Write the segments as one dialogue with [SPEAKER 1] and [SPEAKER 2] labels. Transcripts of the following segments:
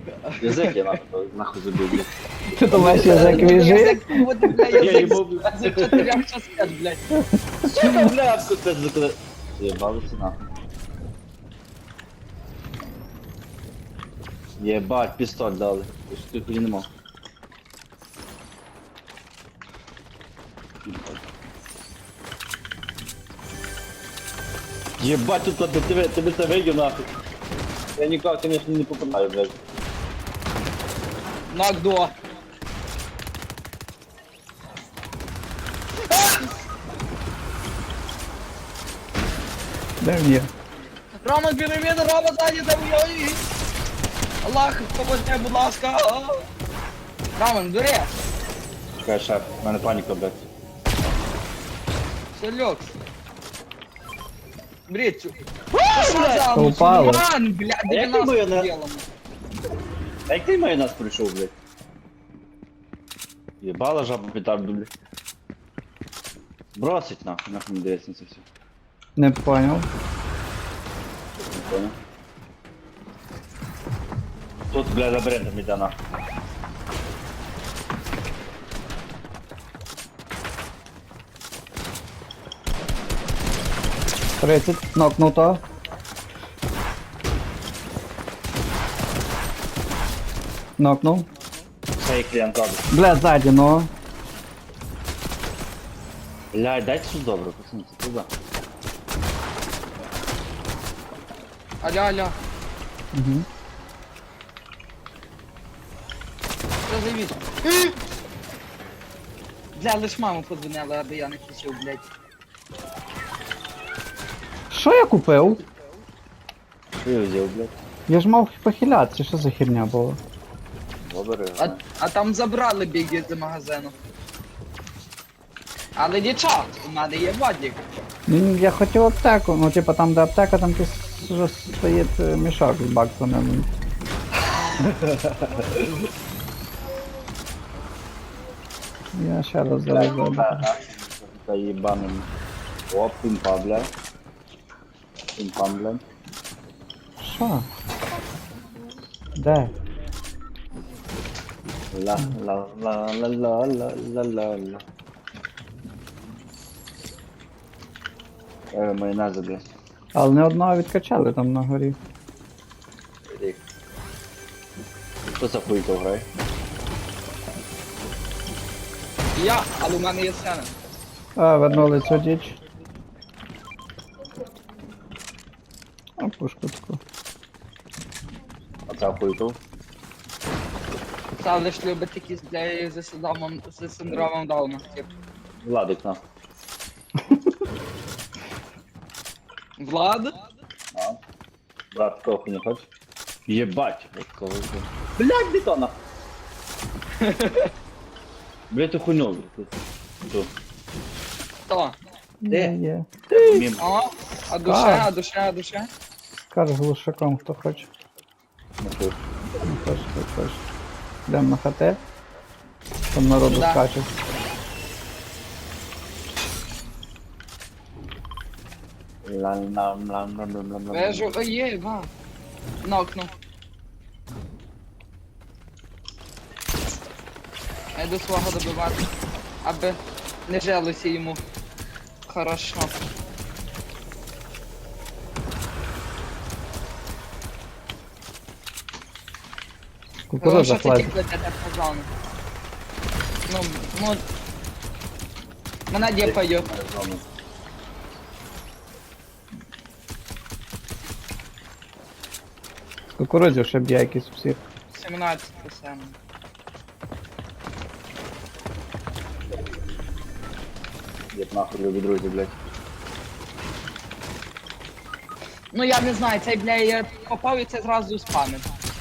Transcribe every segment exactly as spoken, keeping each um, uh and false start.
[SPEAKER 1] Язик я нахуй, нахуй забив, блядь.
[SPEAKER 2] Ти думаєш, язик віжи?
[SPEAKER 3] Язик буде, бля,
[SPEAKER 1] Я
[SPEAKER 3] язик
[SPEAKER 1] їбав,
[SPEAKER 3] з чотирьох частин, блядь.
[SPEAKER 1] Сука, бля, це закли... Єбалися нахуй. Єбать, пістоль дали. Я ж тільки не мог. Єбать, тут от тебе, тебе це вийде нахуй. Я нікого, конечно, не попадаю, блядь.
[SPEAKER 3] Нок до.
[SPEAKER 2] Де він є?
[SPEAKER 3] Рома, біля мене, Рома, ззаді, де ой. Аллах, поможи, будь ласка. Роман, бери.
[SPEAKER 1] Чекай, шеф, в мене паніка, блядь.
[SPEAKER 3] Все, люкс. Бери цю.
[SPEAKER 2] Що упало?
[SPEAKER 3] Мусульман, бля,
[SPEAKER 1] А як ти
[SPEAKER 3] дев'яносто
[SPEAKER 1] моє на-
[SPEAKER 3] ділом.
[SPEAKER 1] А як ти майонез прийшов, блядь? Єбала жаба петарду, блядь. Бросить нахуй, нахуй не дивиться на це все.
[SPEAKER 2] Не поняв.
[SPEAKER 1] Не понял. Тут, бля, лабиринтом іде нахуй.
[SPEAKER 2] тридцять, нокнуто. Нокнув.
[SPEAKER 1] Цей клієнт робить.
[SPEAKER 2] Бля, ззаді, ну.
[SPEAKER 1] Блядь, дайте щось добре, пацани, це туди.
[SPEAKER 3] Алло, алло.
[SPEAKER 2] Угу.
[SPEAKER 3] Що завіс? Бля, лиш маму подзвонила, аби я не кричив, блядь.
[SPEAKER 2] Що я купив?
[SPEAKER 1] Що я взяв, блядь?
[SPEAKER 2] Я ж мав похилятися, що за херня була?
[SPEAKER 1] Добре.
[SPEAKER 3] А, а там забрали біги з магазину. Але дівчат, у мене є водік.
[SPEAKER 2] Ні, я хотів аптеку, ну типа там де аптека, там якийсь вже стоїть е, мішок з баксами. Я ще раз зараз зайду.
[SPEAKER 1] Та їбаним. Оп, пімпа, блядь. Пімпам, блядь.
[SPEAKER 2] Що? Де?
[SPEAKER 1] Ла, ла, ла, ла, ла, ла, ла, ла, ла. Е, майонези, блядь.
[SPEAKER 2] Але не одного відкачали там на горі.
[SPEAKER 1] Рік. Що за хуйко грає?
[SPEAKER 3] Я, але у мене є сцена.
[SPEAKER 2] А, вернули цю діч. А, пушку таку.
[SPEAKER 1] А це хуйко?
[SPEAKER 3] Це лиш любить якісь для зі синдромом, зі синдромом Дауна. Тип.
[SPEAKER 1] Владик, нахуй.
[SPEAKER 3] Влад?
[SPEAKER 1] А? Брат, такого хуй не хочеш? Єбать! От кого це? Блядь, бетона! Блядь, ту хуйню, блядь. Ту.
[SPEAKER 3] Хто?
[SPEAKER 1] Де?
[SPEAKER 2] Є.
[SPEAKER 1] Мім.
[SPEAKER 3] О, а душа,
[SPEAKER 2] Так.
[SPEAKER 3] а душа, а душа?
[SPEAKER 2] Скажи глушаком, хто хоче.
[SPEAKER 1] Ну, хуй.
[SPEAKER 2] Не хоче, хто хоче. Йдемо на хате. Там народу
[SPEAKER 3] Да.
[SPEAKER 2] скаче.
[SPEAKER 1] Лам, лам, лам, лам, лам, лам, лам.
[SPEAKER 3] Вежу, о, є, ва. Нокну. Я йду свого добивати, аби не жилося йому. Хорошо.
[SPEAKER 2] Кукурудза
[SPEAKER 3] Що ти
[SPEAKER 2] хлеб.
[SPEAKER 3] тільки для по зону? Ну, ну... Мене діпаю.
[SPEAKER 2] Кукурудзю ще б'є якийсь всіх.
[SPEAKER 3] сімнадцять саме.
[SPEAKER 1] Єб нахуй, любі друзі, блядь.
[SPEAKER 3] Ну я не знаю, цей, бля, я попав і це зразу спамив.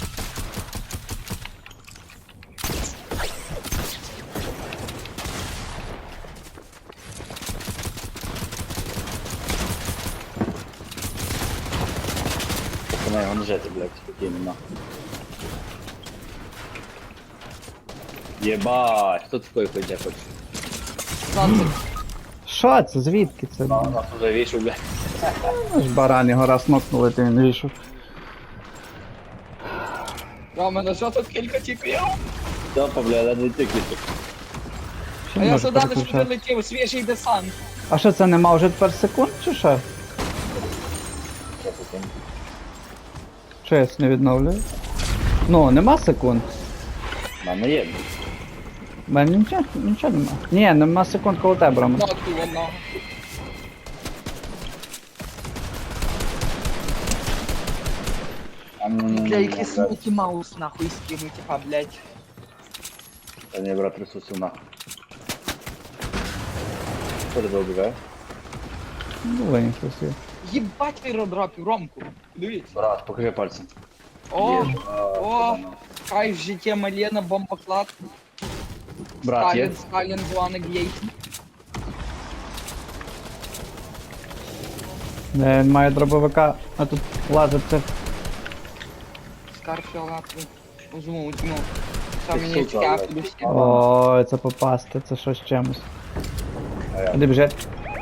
[SPEAKER 1] Пацани, його не жити, блядь, спокійно, нахуй. Єбать, хто такої хуйня хоче?
[SPEAKER 3] Сонце.
[SPEAKER 2] Що це? Звідки це?
[SPEAKER 1] А, нас уже вийшов, блядь.
[SPEAKER 2] Ну ж баран його раз нокнули, то він вийшов.
[SPEAKER 3] Рома, на що тут кілька тіків?
[SPEAKER 1] Степа, бля, ледве тикнути.
[SPEAKER 2] Ще
[SPEAKER 3] А
[SPEAKER 2] не
[SPEAKER 3] я
[SPEAKER 2] можу
[SPEAKER 3] сюди лише
[SPEAKER 2] переключати.
[SPEAKER 3] прилетів, свіжий десант.
[SPEAKER 2] А що це нема вже тепер секунд чи що? Що я не відновлюю? Ну, нема секунд.
[SPEAKER 1] У мене є.
[SPEAKER 2] У мене нічого, нічого нема. Ні, нема секунд коло тебе, Рома.
[SPEAKER 3] Ну, тут одного. Бля, який смуті маус, нахуй, скинуть, а, блядь.
[SPEAKER 1] Та не, брат, ресурсів нахуй. Що тебе убігає?
[SPEAKER 2] Ну, Лень щось є.
[SPEAKER 3] Єбать виродропів, Ромку. Дивіться.
[SPEAKER 1] Брат, покажи пальцем.
[SPEAKER 3] О,
[SPEAKER 1] Є. А,
[SPEAKER 3] о,
[SPEAKER 1] ну.
[SPEAKER 3] хай в житті Малена, бомбоклад.
[SPEAKER 1] Брат, є?
[SPEAKER 3] Сталін, Сталін, Дуана Гейт.
[SPEAKER 2] Е, Він має дробовика, а тут лазить це.
[SPEAKER 3] Скарфіл, нахуй. Узму, утьму. Що
[SPEAKER 1] Ти
[SPEAKER 3] мені
[SPEAKER 1] сука,
[SPEAKER 3] цікаво,
[SPEAKER 1] блядь.
[SPEAKER 3] всі.
[SPEAKER 2] Ой, це попасти, це щось з чимось.
[SPEAKER 1] А я.
[SPEAKER 2] Іди біжить.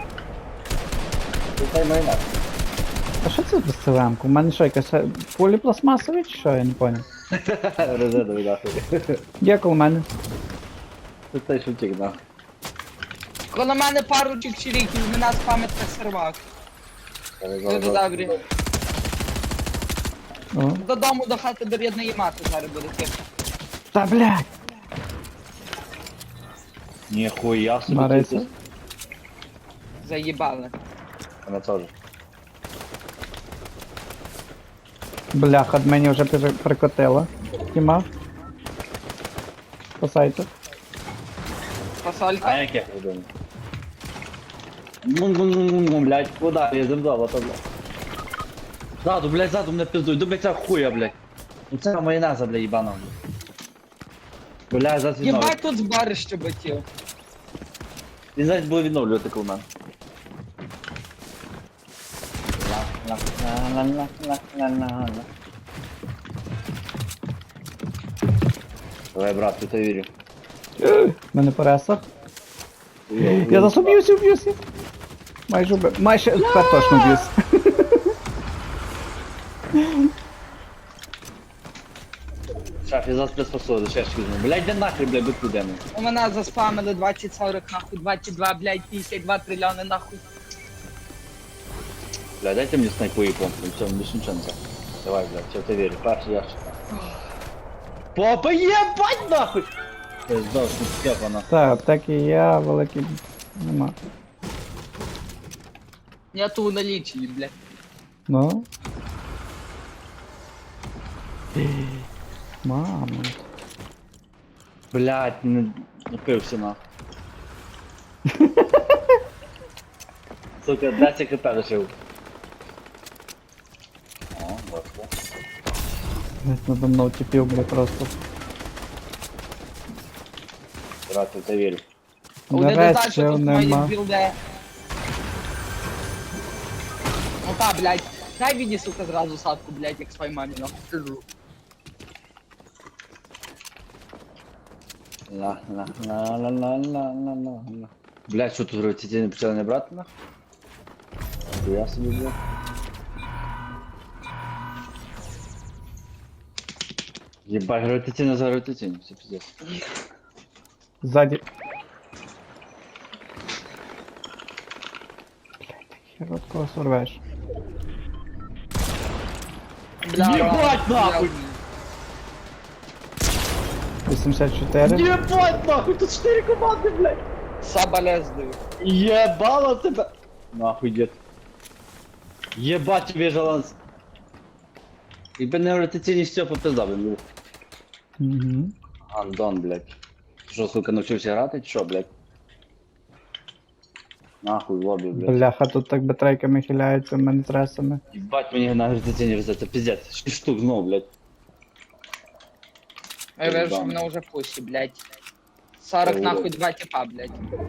[SPEAKER 1] Тут дай майна.
[SPEAKER 2] А що це без цилемку? У мене що, якась е, поліпластмасові чи що, я не понял.
[SPEAKER 1] Резервовий нахуй.
[SPEAKER 2] Є коло мене.
[SPEAKER 1] Тут той шутик, нахуй.
[SPEAKER 3] Коло мене пару чик-чиріків, мене з пам'ятка сервак. Дуже добрі.
[SPEAKER 2] О.
[SPEAKER 3] Додому до хати до рідної мати зараз буде тихо.
[SPEAKER 2] Та блядь!
[SPEAKER 1] Ніхуя собі.
[SPEAKER 2] Мариса?
[SPEAKER 1] ти-
[SPEAKER 3] Заїбали.
[SPEAKER 1] Вона теж.
[SPEAKER 2] Бляха, мені вже пере- прикотило. Тіма. Спасайте.
[SPEAKER 3] Фасолька.
[SPEAKER 1] А яке ходимо? Ну, блядь, куда? Я земдал, а то, блядь. Ззаду, блядь, ззаду мене пиздуй, до блядь, ця хуя, блядь. Ну це майонеза, блядь, їбана, блядь. Блядь, зараз відновлю.
[SPEAKER 3] Єбать тут збарище батів.
[SPEAKER 1] Він зараз буде відновлювати коло мене. Ла-ла-ла-ла-ла-ла-ла-ла. Давай, брат, ти то вірю.
[SPEAKER 2] Мене пересах. Я зараз уб'юся, уб'юся. Майже убив. Майже тепер точно б'юсь.
[SPEAKER 1] Шеф, я зараз приспособлю, ще ж візьму. Блядь, де нахрен, блядь, будь куди ми.
[SPEAKER 3] У мене заспамили двадцять сорок нахуй, двадцять два, блядь, п'ятдесят два трильйони нахуй.
[SPEAKER 1] Блядь, дайте мені снайпу і помпу, все, більше нічого не треба. Давай, блядь, я в тебе вірю, перший ящик. Попа, єбать нахуй! Це здав, що степа нахуй.
[SPEAKER 2] Так, аптеки є, великі нема.
[SPEAKER 3] Нету в наличии, блядь.
[SPEAKER 2] Ну. Мама.
[SPEAKER 1] Блядь, не напився нахуй. Сука, десять хп лишив. О, бачу.
[SPEAKER 2] Десь надо мною тіпів, бля, просто.
[SPEAKER 1] Брат, я в тебе вірю.
[SPEAKER 3] Один
[SPEAKER 2] Нарешті
[SPEAKER 3] додача тут мої
[SPEAKER 2] нема.
[SPEAKER 3] білде. Ну та, блядь. Дай мені, сука, зразу садку, блядь, як своїй мамі, нахуй, скажу.
[SPEAKER 1] Ла, ла, ла, ла, ла, ла, ла, ла, ла. Блядь, що тут робити? Ці не почали не брати нахуй? Я собі, блядь. Ебать, гравитаційно за гравитаційно, все пиздец.
[SPEAKER 2] Ззаді. Блядь, так хер от кого сорвеш.
[SPEAKER 3] Бля,
[SPEAKER 1] Єбать,
[SPEAKER 3] бля,
[SPEAKER 1] нахуй!
[SPEAKER 2] вісімдесят чотири.
[SPEAKER 1] Ебать нахуй, тут чотири команди, блядь!
[SPEAKER 3] Соболезную.
[SPEAKER 1] Ебало тебе! Нахуй, дед. Ебать тебе жаланс. Ебать не гравитаційні Степа пизда, блядь.
[SPEAKER 2] Угу.
[SPEAKER 1] Андон, блядь. Що, сука, навчився грати, чи що, блядь? Нахуй, в лобі, блядь.
[SPEAKER 2] Бляха, тут так батарейками хиляються, ментресами.
[SPEAKER 1] Ебать мені на гравитаційні везе, це пиздец. Шість штук знову, блядь.
[SPEAKER 3] Я вижу, що мене вже пусі, блядь. сорок
[SPEAKER 1] Ой,
[SPEAKER 3] нахуй,
[SPEAKER 1] блядь.
[SPEAKER 3] два типа, блядь.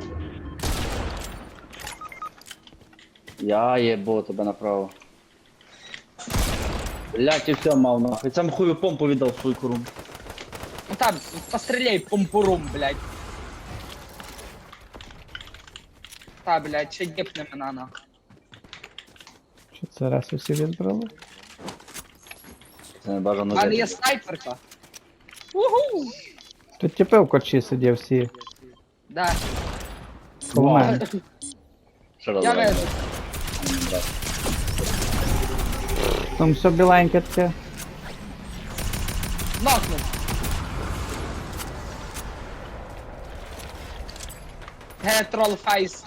[SPEAKER 1] Я єбо тебе направо. Блядь, і все мав нахуй. Сам хую помпу віддав свою куру.
[SPEAKER 3] Ну там, постреляй помпурум, блядь. Та, блядь, ще діпне мене нахуй.
[SPEAKER 2] Що це раз усі відбрали?
[SPEAKER 1] Це не бажано.
[SPEAKER 3] Але є снайперка. Уху!
[SPEAKER 2] Тут тіпи в корчі сидів всі.
[SPEAKER 3] Да.
[SPEAKER 2] Коло мене.
[SPEAKER 1] Що
[SPEAKER 3] Я
[SPEAKER 1] розумію?
[SPEAKER 3] вижу.
[SPEAKER 2] Там все біленьке таке.
[SPEAKER 3] Нокнув. Ге, трол фейс.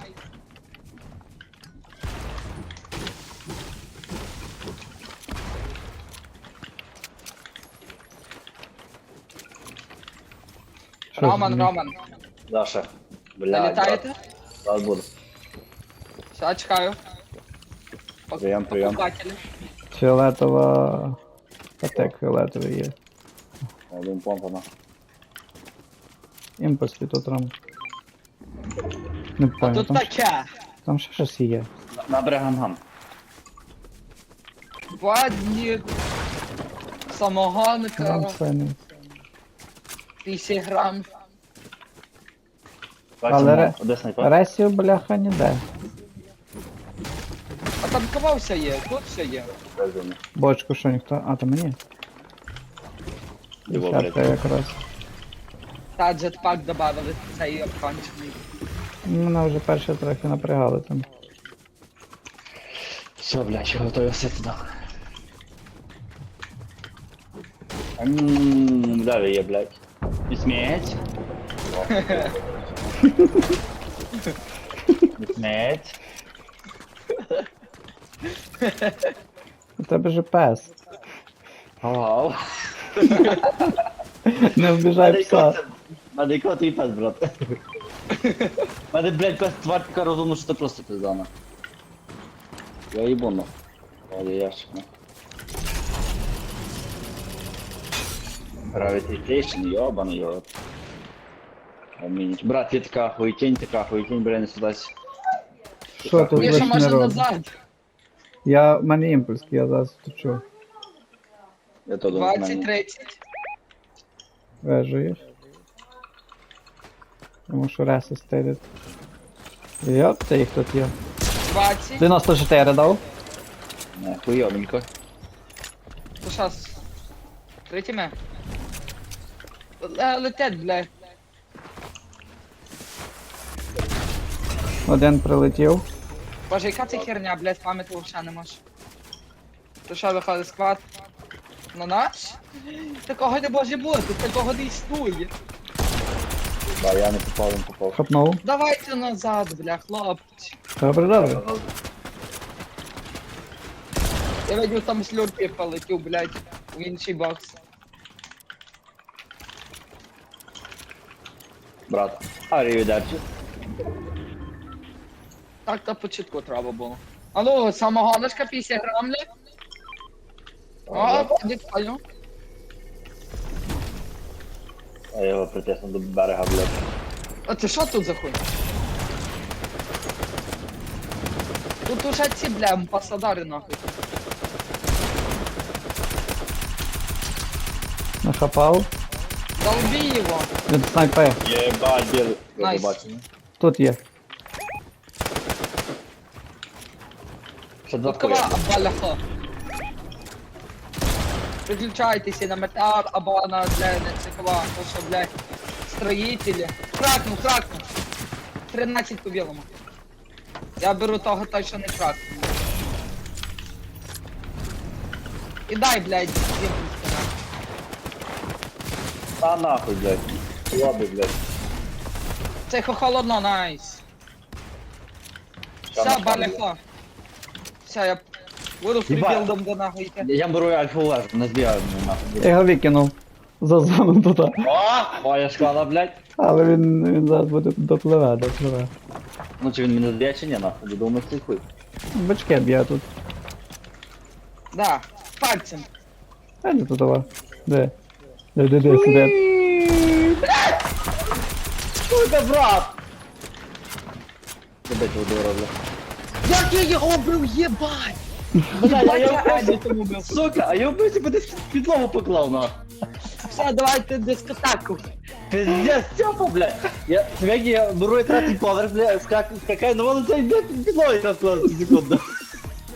[SPEAKER 2] Що
[SPEAKER 3] Роман,
[SPEAKER 2] з-
[SPEAKER 3] Роман.
[SPEAKER 1] Даша. Бля,
[SPEAKER 3] Залітаєте?
[SPEAKER 1] Зараз буду.
[SPEAKER 3] Все, чекаю. Пок-
[SPEAKER 1] Прийом, прийом.
[SPEAKER 3] покупателі.
[SPEAKER 2] Фіолетова. Патек фіолетовий є.
[SPEAKER 1] Один помпана.
[SPEAKER 2] Імпульс тут рам. Не
[SPEAKER 3] А
[SPEAKER 2] понял,
[SPEAKER 3] тут
[SPEAKER 2] там,
[SPEAKER 3] таке.
[SPEAKER 2] там ще щось є.
[SPEAKER 1] На брегангам.
[SPEAKER 3] Вадник. Самогонка.
[SPEAKER 2] Там файний.
[SPEAKER 3] п'ятдесят грам.
[SPEAKER 2] Але ре-
[SPEAKER 1] Де снайпер?
[SPEAKER 2] Ресів, бляха, ніде.
[SPEAKER 3] А там кого все є? Тут все є.
[SPEAKER 2] Бочку що ніхто. А, то мені.
[SPEAKER 1] Його,
[SPEAKER 2] Десятка
[SPEAKER 1] блядь.
[SPEAKER 2] якраз.
[SPEAKER 3] Та джетпак добавили, цей обкончений.
[SPEAKER 2] Мене вже перше трохи напрягали там.
[SPEAKER 1] Все, блядь, готовий все туди. Ммм, далі є, блядь. Не сміть. Не сміть.
[SPEAKER 2] У тебе же пес.
[SPEAKER 1] Вау.
[SPEAKER 2] Не вбіжай пса.
[SPEAKER 1] Мене кот і пес, брат. Мене, блядь, пес тварь така розумна, що це просто пиздана. Я їбону. Але ящик, ну. Gravitation, ёбаный його. Амінь. Брат, є така хуйтень, така хуйтень, бля, не судась.
[SPEAKER 2] Що тут
[SPEAKER 3] Є ще
[SPEAKER 2] лиш не
[SPEAKER 3] може
[SPEAKER 2] робить?
[SPEAKER 3] назад.
[SPEAKER 2] Я, в мене імпульс, я зараз втечу.
[SPEAKER 1] Я то
[SPEAKER 3] двадцять тридцять.
[SPEAKER 2] Вежуєш. Тому що реси стелять. Йоп, це їх тут є.
[SPEAKER 3] двадцять.
[SPEAKER 2] дев'яносто чотири дав.
[SPEAKER 1] Не, хуйовенько.
[SPEAKER 3] То щас. Третіме. Летять, бля.
[SPEAKER 2] Один прилетів.
[SPEAKER 3] Боже, яка це херня, блядь, пам'яті взагалі не можеш. То що виходить склад? На наш? Такого не може бути, такого не існує.
[SPEAKER 1] Ба, я не попав, він попав.
[SPEAKER 2] Хапнув.
[SPEAKER 3] Давайте назад, бля, хлопці.
[SPEAKER 2] Добре, добре.
[SPEAKER 3] Я видів, там слюрпі полетів, блядь, в інший бокс.
[SPEAKER 1] Брат, арівідерчі.
[SPEAKER 3] Так то початку треба було. А ну, самогоночка п'ятдесят грам, блядь. О, прикольно.
[SPEAKER 1] А я його притиснув до берега, блядь.
[SPEAKER 3] А це що тут за хуй? Тут уже ці, бля, амбасадари нахуй.
[SPEAKER 2] Нахапав.
[SPEAKER 3] Долби його.
[SPEAKER 2] Він снайпер.
[SPEAKER 1] Єбать, біл. Я
[SPEAKER 3] Найс.
[SPEAKER 1] побачив.
[SPEAKER 2] Тут є.
[SPEAKER 1] Ще два
[SPEAKER 3] Тут кого
[SPEAKER 1] хуя.
[SPEAKER 3] абаляха. Приключайтеся на метеор або на, бля, на це кого, то що, блядь, строїтелі. Кракнув, кракнув. тринадцять по білому. Я беру того той, що не кракнув. І дай, блядь, імпульс.
[SPEAKER 1] Та нахуй, блядь. Лоби, блядь.
[SPEAKER 3] Це холодно, найс.
[SPEAKER 1] Та
[SPEAKER 3] Все,
[SPEAKER 1] нахуй.
[SPEAKER 3] баляха. Все, я буду
[SPEAKER 1] Єбать.
[SPEAKER 3] фрібілдом до нахуй йти.
[SPEAKER 1] Я беру альфа лежу, не збігаю мене нахуй.
[SPEAKER 2] Я його викинув. За зону туди.
[SPEAKER 1] О, моя шкала, блядь.
[SPEAKER 2] Але він, він зараз буде допливе, допливе.
[SPEAKER 1] Ну чи він мене зб'є чи ні, нахуй, думаю, цей хуй.
[SPEAKER 2] Бачки б'є тут.
[SPEAKER 3] Да, пальцем.
[SPEAKER 2] А не тутова. Де? Де, де, де, сидить.
[SPEAKER 1] Сука, брат! Тебе чого роблю?
[SPEAKER 3] Як я його обрив, єбать!
[SPEAKER 1] Бля, я його
[SPEAKER 3] Ані
[SPEAKER 1] просто...
[SPEAKER 3] тому бив.
[SPEAKER 1] Сука, а я вбився, кудись під підлогу поклав, нахуй.
[SPEAKER 3] Все, давайте дискотеку.
[SPEAKER 1] Пиздец, Степа, блядь. Я, смотри, я беру и третий поверх, блядь, скак, скакаю, но он цей, блядь, під підлогою якраз класти секунду.